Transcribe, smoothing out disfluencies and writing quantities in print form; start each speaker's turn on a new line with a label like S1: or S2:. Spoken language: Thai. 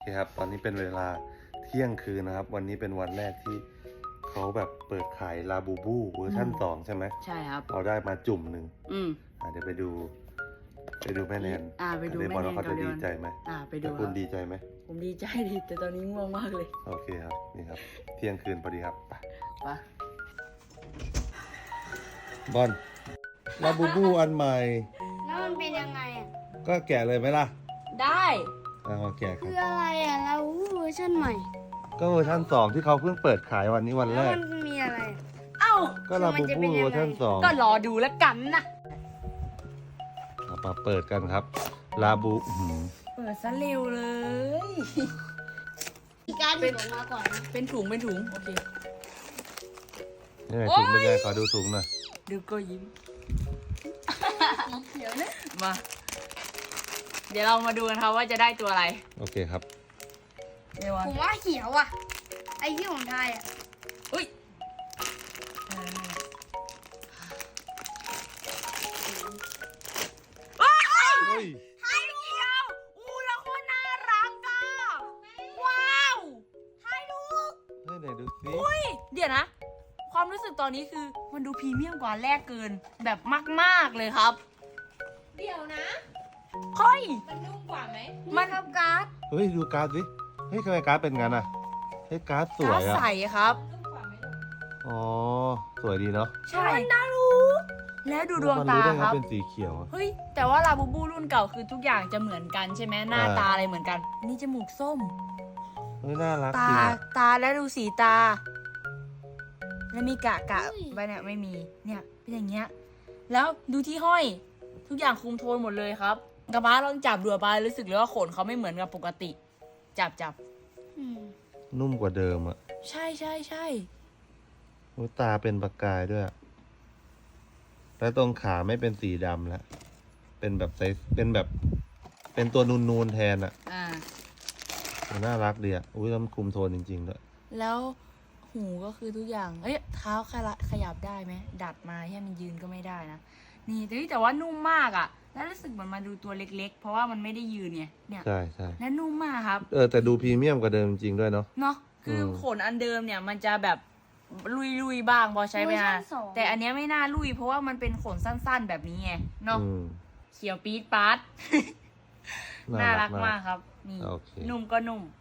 S1: โอเคครับตอนนี้เป็นเวลาเที่ยงคืนนะครับวันนี้เป็นวันแรกที่เขาแบบเปิดขายลาบูบูเวอร์ชั่น2ใช่ไหม
S2: ใช่ครับ
S1: เราได้มาจุ่มหนึ่ง
S2: อืม
S1: เดี๋ยวไปดูแม่แนน
S2: ไปดูแม่แนน
S1: บอลว่าเขาจะดีใจไหม
S2: ไปดู
S1: แต่คุณดีใจไหม
S2: ผมดีใจดิแต่ตอนนี้ง่วงมากเลย
S1: โอเคครับนี่ครับเที่ยงคืนพอดีครับไป
S2: ปะ
S1: บอลลาบูบูอันใหม่
S3: แล้วมันเป็นยังไงอ่ะ
S1: ก็แกะเลยไหมล่ะ
S2: ได้
S1: มาแกะครั
S3: คื
S1: บ
S3: ออะไรอ่ะเราเวอร์ชันใหม่
S1: ก็เวอร์ชัน2ที่เขาเพิ่งเปิดขายวันนี้วันแร
S3: แล้ว
S1: ก
S3: มันมีอะไรอ่ะ
S2: เอ้า
S1: ก็ลาบูบูเวอร์ชัน2
S2: ก็รอดูแล้วกันนะ
S1: มาเปิดกันครับลาบู
S2: เปิดซะเร็วเลย
S3: มีการหยิบออกมาก่อนนะ
S2: เป็นถุงโอเค
S1: นี่ไงถุงเป็นไงขอดูถุงหน่อย
S2: ดูก็ยิ้ม
S3: เดี๋ยวนะ
S2: มา เดี๋ยวเรามาดูกันครับว่าจะได้ตัวอะไร
S1: โอเคครับ
S2: เดี๋ยว
S3: ผมว่าเขียวอ่ะ ไอ้ที่ของไทยอ่ะ
S2: อุ้ย
S1: เฮ้ย
S2: ไข่เจียวอู้แล้วโคตรน่ารักอ่ะว้าวไข่ลูก
S1: เฮ้ยไหนดูสิ
S2: อุ้ยเดี๋ยวนะ ความรู้สึกตอนนี้คือมันดูพรีเมียมกว่าแรกเกินแบบมากๆเลยครับ
S4: เดี๋ยวนะ
S2: เฮ้ย
S4: มันนุ่มกว่าไหม
S2: มัน
S3: ครับการ์ด
S1: เฮ้ยดูการ์ดสิเฮ้ยทำไมการ์ดเป็นงั้นอ่ะเฮ้ยการ์ดสวย
S2: กา
S1: อ่ะ
S2: ใสครับ
S4: นุ่มกว่าไหมลูก
S1: อ๋อสวยดีเนาะ
S2: ใช่น่ารู้ แล้วดูดวง
S1: มัน
S2: ตา
S1: รู้ได้ไง
S2: ครับ
S1: เป็นสีเขียวอะ
S2: เฮ้ย แต่ว่าลาบูบูรุ่นเก่าคือทุกอย่างจะเหมือนกันใช่ไหมหน้าตาอะไรเหมือนกัน นี่จมูกส้ม
S1: เฮ้ยน่ารัก
S2: ตา
S1: จริงอะ
S2: ตาแล้วดูสีตา แล้วมีกะไปเนี่ยไม่มี เนี่ยเป็นอย่างเงี้ย แล้วดูที่ห้อย ทุกอย่างคุมโทนหมดเลยครับกระบ้าลองจับดูไปรู้สึกเลยว่าขนเขาไม่เหมือนกับปกติ จับ
S3: อืม
S1: นุ่มกว่าเดิมอ่ะ
S2: ใช่
S1: โอ้ยตาเป็นประกายด้วยอะแล้วตรงขาไม่เป็นสีดำแล้วเป็นแบบเป็นตัวนูนๆแทนอ่ะ
S2: อ่า
S1: น่ารักดีอ่ะอุ้ยแล้วมันคุมโทนจริงๆด้วย
S2: แล้วหูก็คือทุกอย่าง เอ้ยเท้าขยับได้ไหมดัดมาให้มันยืนก็ไม่ได้นะ นี่แต่ว่านุ่มมากอ่ะ แล้วรู้สึกเหมือนมาดูตัวเล็กๆ เพราะว่ามันไม่ได้ยืนไงเนี่ย
S1: ใช่
S2: และนุ่มมากครับ
S1: แต่ดูพรีเมียมกว่าเดิมจริงๆด้วยเนาะ
S2: เนาะคือขนอันเดิมเนี่ยมันจะแบบลุยบ้างพอใช้ไปนานแต่อันเนี้ยไม่น่าลุยเพราะว่ามันเป็นขนสั้นๆแบบนี้ไงเนาะ
S1: อืม
S2: เขียวปี๊ดปาร์ตน่ารักมากครับ นี่
S1: โอเค
S2: นุ่มก็นุ่ม